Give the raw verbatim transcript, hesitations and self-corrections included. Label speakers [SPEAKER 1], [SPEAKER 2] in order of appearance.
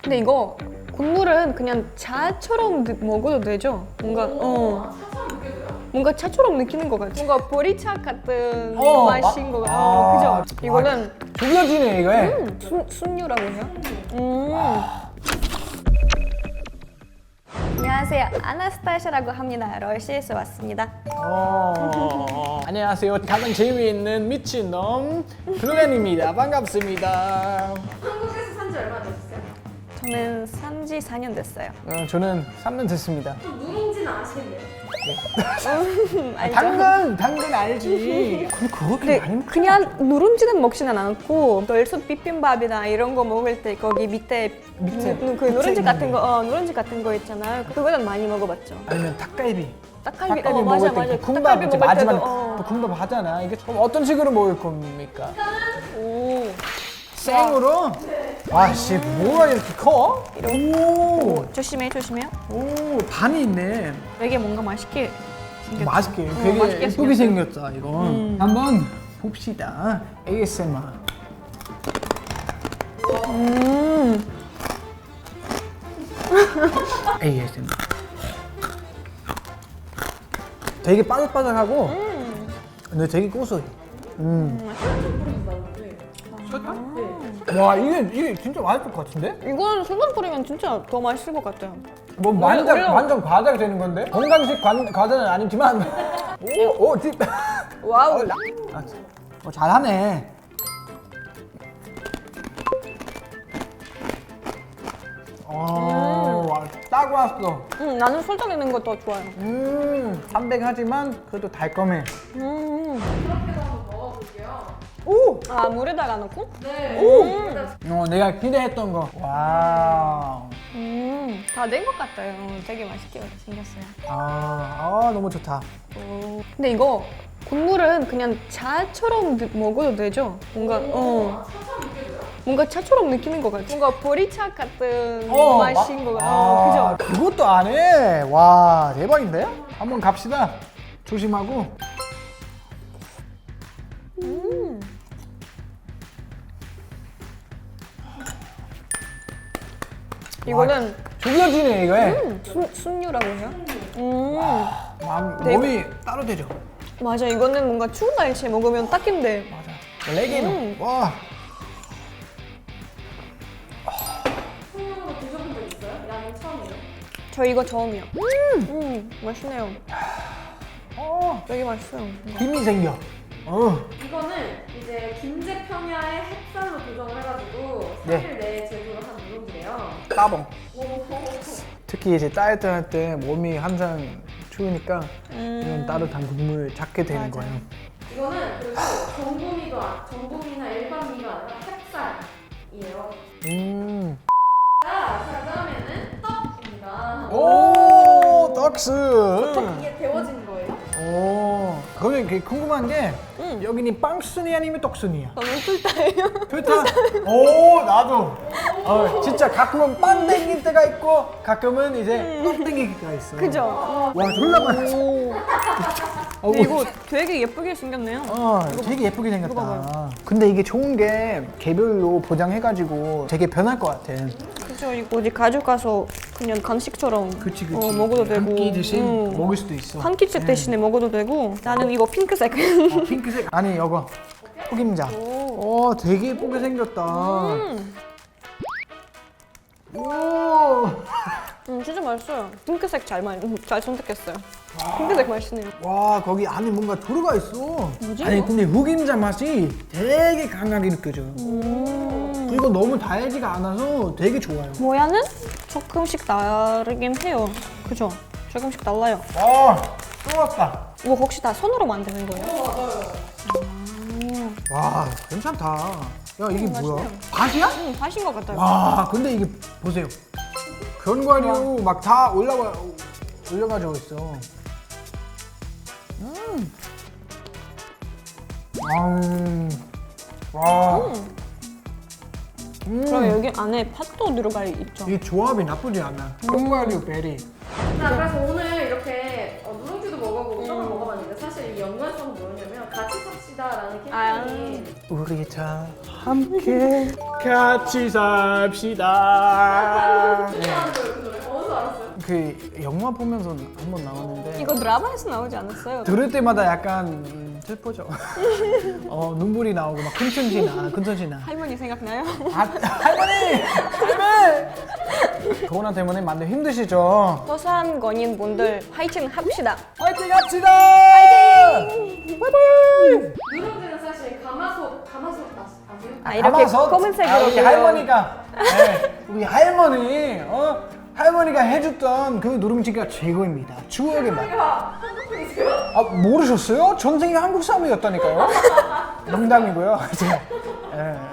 [SPEAKER 1] 근데 이거 국물은 그냥 차처럼 느- 먹어도 되죠? 뭔가 어
[SPEAKER 2] 차처럼 느껴져요?
[SPEAKER 1] 뭔가 차처럼 느끼는 것 같아. 뭔가 보리차 같은
[SPEAKER 3] 어,
[SPEAKER 1] 맛인
[SPEAKER 3] 마-
[SPEAKER 1] 것 같아.
[SPEAKER 3] 아,
[SPEAKER 1] 어, 그죠? 이거는
[SPEAKER 3] 죽여지네 이거.
[SPEAKER 1] 음, 순, 순유라고 해요? 음. 안녕하세요. 아나스타샤라고 합니다. 러시아에서 왔습니다.
[SPEAKER 3] 어, 안녕하세요. 가장 재미있는 미친놈 블루맨입니다. 반갑습니다.
[SPEAKER 2] 한국에서 산 지 얼마 되셨어요?
[SPEAKER 1] 저는 산지 사 년 됐어요.
[SPEAKER 3] 어, 저는 삼 년 됐습니다.
[SPEAKER 2] 좀 누룽지는 아시겠네요?
[SPEAKER 1] 음, 알죠?
[SPEAKER 3] 당근, 당근 알지. 근데 그렇게
[SPEAKER 1] 근데
[SPEAKER 3] 많이 먹
[SPEAKER 1] 그냥 누룽지는 먹지는 않고 널수 비빔밥이나 이런 거 먹을 때 거기 밑에,
[SPEAKER 3] 밑에,
[SPEAKER 1] 누- 그
[SPEAKER 3] 밑에
[SPEAKER 1] 누룽지
[SPEAKER 3] 있는
[SPEAKER 1] 같은 거, 어, 누룽지 같은 거 있잖아요. 그거는 많이 먹어봤죠.
[SPEAKER 3] 아니면 닭갈비.
[SPEAKER 1] 닭갈비,
[SPEAKER 3] 닭갈비
[SPEAKER 1] 어,
[SPEAKER 3] 먹을
[SPEAKER 1] 맞아,
[SPEAKER 3] 때
[SPEAKER 1] 맞아.
[SPEAKER 3] 볶음밥
[SPEAKER 1] 닭갈비
[SPEAKER 3] 이제
[SPEAKER 1] 먹을
[SPEAKER 3] 마지막에
[SPEAKER 1] 때도, 어.
[SPEAKER 3] 볶음밥 하잖아. 이게 그럼 어떤 식으로 먹을 겁니까?
[SPEAKER 1] 오,
[SPEAKER 3] 생으로? 아씨 뭐가 이렇게 커? 오,
[SPEAKER 1] 조심해, 조심해.
[SPEAKER 3] 오 반이 있네.
[SPEAKER 1] 되게 뭔가 맛있게 생겼죠.
[SPEAKER 3] 맛있게
[SPEAKER 1] 어,
[SPEAKER 3] 되게
[SPEAKER 1] 맛있게
[SPEAKER 3] 예쁘게
[SPEAKER 1] 생겼어요.
[SPEAKER 3] 생겼다 이거.
[SPEAKER 1] 음.
[SPEAKER 3] 한번 봅시다. 에이에스엠알.
[SPEAKER 1] 음,
[SPEAKER 3] 에이에스엠알. 되게 바삭바삭하고
[SPEAKER 1] 음.
[SPEAKER 3] 근데 되게 고소해. 음. 설탕?
[SPEAKER 2] 네.
[SPEAKER 3] 와 이게 이게 진짜 맛있을 것 같은데?
[SPEAKER 1] 이건 설탕 뿌리면 진짜 더 맛있을 것 같아요.
[SPEAKER 3] 뭐
[SPEAKER 1] 원래-
[SPEAKER 3] 완전
[SPEAKER 1] 원래-
[SPEAKER 3] 완전 과자가 되는 건데 건강식 관, 과자는 아니지만 오오 딥.
[SPEAKER 1] 와우.
[SPEAKER 3] 아, 어, 잘하네. 어, 와, 딱 왔어.
[SPEAKER 1] 음, 나는 설탕 있는 거 더 좋아요.
[SPEAKER 3] 음, 담백하지만 그래도 달콤해.
[SPEAKER 1] 음.
[SPEAKER 2] 그렇게도 한번 먹어볼게요.
[SPEAKER 3] 오!
[SPEAKER 1] 아, 물에다가 넣고?
[SPEAKER 2] 네.
[SPEAKER 1] 오!
[SPEAKER 3] 어, 내가 기대했던 거. 와우.
[SPEAKER 1] 음, 다 된 것 같아요. 되게 맛있게 생겼어요.
[SPEAKER 3] 아, 아, 너무 좋다.
[SPEAKER 1] 오. 근데 이거 국물은 그냥 차처럼 느- 먹어도 되죠? 뭔가 어
[SPEAKER 2] 차처럼 느껴져요?
[SPEAKER 1] 뭔가 차처럼 느끼는 것 같아. 뭔가 보리차 같은
[SPEAKER 3] 어,
[SPEAKER 1] 맛인
[SPEAKER 3] 마-
[SPEAKER 1] 것 같아.
[SPEAKER 3] 아,
[SPEAKER 1] 어, 그죠?
[SPEAKER 3] 그것도 안 해. 와, 대박인데? 한번 갑시다. 조심하고.
[SPEAKER 1] 음. 이거는
[SPEAKER 3] 죽여지네, 이거.
[SPEAKER 1] 음, 순, 순유라고 해요? 음.
[SPEAKER 3] 마음,
[SPEAKER 1] 네,
[SPEAKER 3] 몸이 따로 되죠.
[SPEAKER 1] 맞아, 이거는 뭔가 추운 날씨에 먹으면 딱인데.
[SPEAKER 3] 맞아. 레게노.
[SPEAKER 1] 음.
[SPEAKER 3] 와.
[SPEAKER 2] 손으로 드셔본 적 있어요? 양은 처음이에요?
[SPEAKER 1] 저 이거 처음이요. 음, 맛있네요.
[SPEAKER 3] 어,
[SPEAKER 1] 되게 맛있어요. 뭔가.
[SPEAKER 3] 힘이 생겨. 어.
[SPEAKER 2] 이거는 이제 김제 평야의 햇살로 조정을 해가지고
[SPEAKER 3] 네.
[SPEAKER 2] 삼 일 내에 제조를 한 누룽지래요.
[SPEAKER 3] 따봉.
[SPEAKER 2] 오.
[SPEAKER 3] 특히 이제 따뜻할 때 몸이 항상 추우니까
[SPEAKER 1] 음.
[SPEAKER 3] 이런 따뜻한 국물 찾게 되는
[SPEAKER 1] 맞아.
[SPEAKER 3] 거예요.
[SPEAKER 2] 이거는 그리고 전분미도 아- 전분미나 일반 미가 아니라 햇살이에요.
[SPEAKER 3] 음.
[SPEAKER 2] 자, 그다음에는 떡입니다.
[SPEAKER 3] 오, 떡스.
[SPEAKER 2] 이게 데워진 거예요?
[SPEAKER 3] 오. 그러면 이게 궁금한 게
[SPEAKER 1] 음.
[SPEAKER 3] 여기는 빵순이 아니면 떡순이야?
[SPEAKER 1] 저는 풀타예요.
[SPEAKER 3] 좋다. 오, 나도. 어, 진짜 가끔은 빵 땡길 때가 있고 가끔은 이제 떡 땡길 때가 있어.
[SPEAKER 1] 음. 그죠?
[SPEAKER 3] 와, 졸라 많았어.
[SPEAKER 1] 오.
[SPEAKER 3] 어,
[SPEAKER 1] 근데 이거 되게 예쁘게 생겼네요.
[SPEAKER 3] 어, 되게 예쁘게
[SPEAKER 1] 이거 봐봐요.
[SPEAKER 3] 생겼다. 근데 이게 좋은 게 개별로 포장해가지고 되게 변할 것 같아.
[SPEAKER 1] 그죠? 이거 어디 가져가서 그냥 간식처럼
[SPEAKER 3] 그치, 그치.
[SPEAKER 1] 어, 먹어도 되고.
[SPEAKER 3] 한 끼 대신
[SPEAKER 1] 음.
[SPEAKER 3] 먹을 수도 있어.
[SPEAKER 1] 한 끼째 대신에 먹어도 되고. 나는 이거 핑크색.
[SPEAKER 3] 어, 핑크색. 아니, 이거. 흑임자.
[SPEAKER 1] 오.
[SPEAKER 3] 오, 되게 예쁘게 생겼다.
[SPEAKER 1] 음.
[SPEAKER 3] 오.
[SPEAKER 1] 음, 진짜 맛있어요. 핑크색 잘, 마- 음, 잘 선택했어요. 핑크색 맛있네요.
[SPEAKER 3] 와, 거기 안에 뭔가 들어가 있어.
[SPEAKER 1] 뭐지,
[SPEAKER 3] 아니,
[SPEAKER 1] 이거?
[SPEAKER 3] 근데 흑임자 맛이 되게 강하게 느껴져.
[SPEAKER 1] 음.
[SPEAKER 3] 그리고 너무 달지가 않아서 되게 좋아요.
[SPEAKER 1] 모양은 조금씩 다르긴 해요. 그죠? 조금씩 달라요.
[SPEAKER 3] 와, 또 왔다.
[SPEAKER 1] 이거 혹시 다 손으로 만드는 거예요?
[SPEAKER 3] 와, 괜찮다. 야, 이게
[SPEAKER 1] 음,
[SPEAKER 3] 뭐야?
[SPEAKER 1] 맛있네요.
[SPEAKER 3] 밭이야?
[SPEAKER 1] 음, 하신 것 같아요.
[SPEAKER 3] 와, 근데 이게 보세요. 견과류 막 다 올라가 올려가지고 있어. 음. 음. 와.
[SPEAKER 1] 음.
[SPEAKER 3] 음.
[SPEAKER 1] 그럼 여기 안에 팥도 들어가 있죠?
[SPEAKER 3] 이 조합이 나쁘지 않아. 견과류 베리.
[SPEAKER 2] 자, 그래서 오늘 이렇게 어, 누룽지도 먹어보고 떡을 먹어봤는데 사실 이 연관성은 뭐였냐면 같이 삽시다라는
[SPEAKER 1] 아.
[SPEAKER 2] 캠페인이
[SPEAKER 3] 우리 다 함께 같이 삽시다. 그 영화 보면서 한번 나왔는데
[SPEAKER 1] 이거 드라마에서 나오지 않았어요?
[SPEAKER 3] 들을 때마다 약간 음, 슬퍼져. 어 눈물이 나오고 막 큰천지나 큰천지나.
[SPEAKER 1] 할머니 생각나요?
[SPEAKER 3] 아, 할머니! 할머니! 코로나 때문에 많이 힘드시죠?
[SPEAKER 1] 소상공인 분들 화이팅 합시다.
[SPEAKER 3] 화이팅 합시다! 화이팅! 바이바이!
[SPEAKER 2] 누룽지는 사실 가마솥, 가마솥 아- 아세요?
[SPEAKER 1] 아 이렇게
[SPEAKER 3] 가마솥?
[SPEAKER 1] 검은색으로
[SPEAKER 3] 아, 우리
[SPEAKER 1] 보여요.
[SPEAKER 3] 할머니가 네, 우리 할머니 어 할머니가 해줬던 그 누룽지가 최고입니다. 추억의 맛.
[SPEAKER 2] 할머니가 한국 분이세요?
[SPEAKER 3] 아 모르셨어요? 전생이 한국 사람이었다니까요. 농담이고요. 이제 예.